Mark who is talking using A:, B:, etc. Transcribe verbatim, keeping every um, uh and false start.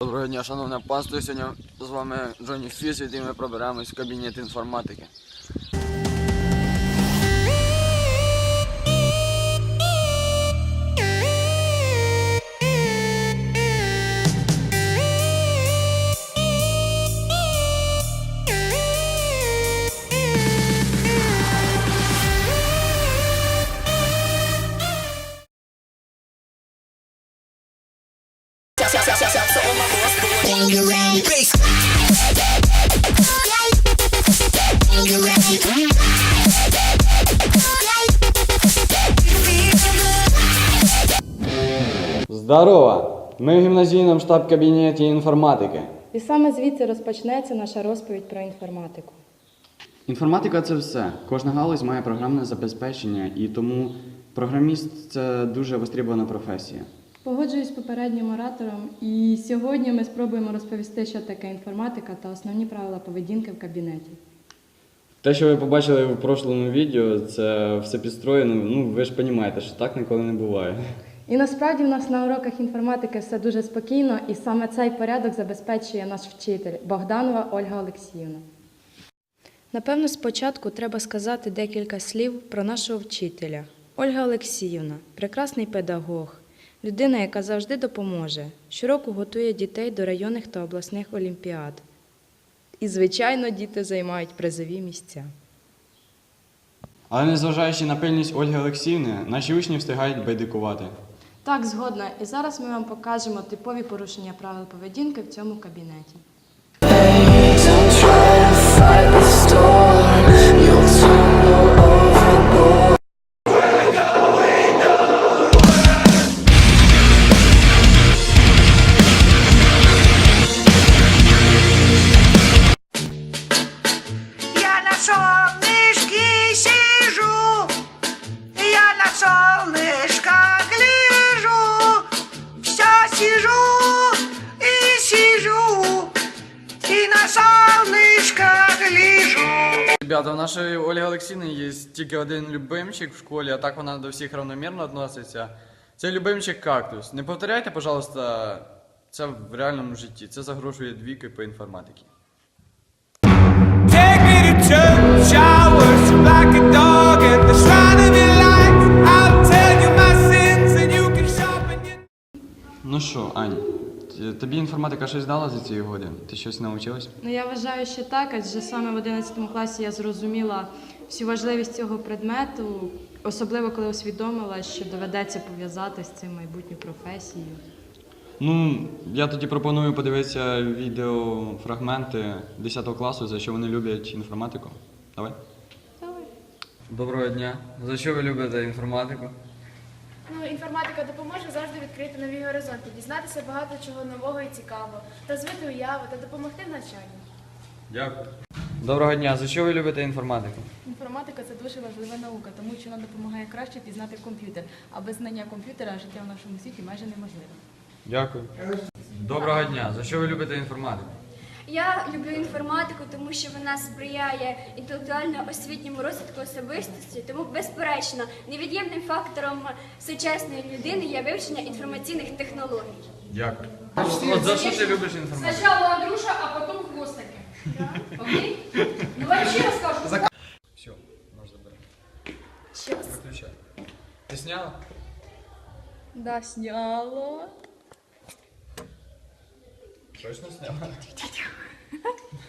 A: Доброго дня, шановне панство. Сьогодні з вами Джонні Фіс, і ми проберемось в кабінет інформатики.
B: Здорово! Ми в гімназійному штаб-кабінеті інформатики.
C: І саме звідси розпочнеться наша розповідь про інформатику.
B: Інформатика – це все. Кожна галузь має програмне забезпечення, і тому програміст – це дуже востребована професія.
C: Погоджуюсь з попереднім оратором, і сьогодні ми спробуємо розповісти, що таке інформатика та основні правила поведінки в кабінеті.
B: Те, що ви побачили в прошлому відео, це все підстроєно, ну ви ж розумієте, що так ніколи не буває.
C: І насправді в нас на уроках інформатики все дуже спокійно, і саме цей порядок забезпечує наш вчитель Богданова Ольга Олексіївна. Напевно, спочатку треба сказати декілька слів про нашого вчителя. Ольга Олексіївна – прекрасний педагог, людина, яка завжди допоможе, щороку готує дітей до районних та обласних олімпіад. І, звичайно, діти займають призові місця.
B: Але незважаючи на пильність Ольги Олексіївни, наші учні встигають байдикувати.
C: Так, згодна. І зараз ми вам покажемо типові порушення правил поведінки в цьому кабінеті.
D: Я на солнышке сижу, я на солнышко гляжу, все сижу и сижу, и на солнышко гляжу.
A: Ребята, у нашої Ольги Олексіївни є тільки один любимчик в школі, а так вона до всіх рівномірно відноситься. Це любимчик кактус. Не повторяйте, пожалуйста, це в реальному житті. Це загрожує двійкою по інформатиці.
E: Take me to church, I worship like a dog at the shrine of your light. I'll tell you my sins and you can sharpen your...
B: Ну що, Ань, т- тобі інформатика щось дала за ці годи? Ти щось навчилась?
C: Ну, я вважаю, що так, адже саме в одинадцятому класі я зрозуміла всю важливість цього предмету, особливо коли усвідомила, що доведеться пов'язати з цим майбутню професію.
B: Ну, я тоді пропоную подивитися відеофрагменти десятого класу, за що вони люблять інформатику. Давай.
C: Давай.
A: Доброго дня. За що ви любите інформатику?
F: Ну, інформатика допоможе завжди відкрити нові горизонти, дізнатися багато чого нового і цікавого, розвити уяву та допомогти в навчанні.
A: Дякую. Доброго дня. За що ви любите інформатику?
G: Інформатика – це дуже важлива наука, тому що вона допомагає краще пізнати комп'ютер. А без знання комп'ютера життя в нашому світі майже неможливе.
A: Дякую. Доброго дня. За що ви любите інформатику?
H: Я люблю інформатику, тому що вона сприяє інтелектуально-освітньому розвитку особистості, тому, безперечно, невід'ємним фактором сучасної людини є вивчення інформаційних технологій.
A: Дякую. От за що ти любиш інформатику?
F: Спочатку Андрюша, а потім хвостики. Окей? Ну, вообще розкажу.
A: Все, можна забирати.
H: Щас.
A: Виключай. Ти сняла?
C: Да, сняло.
A: Точно сняла?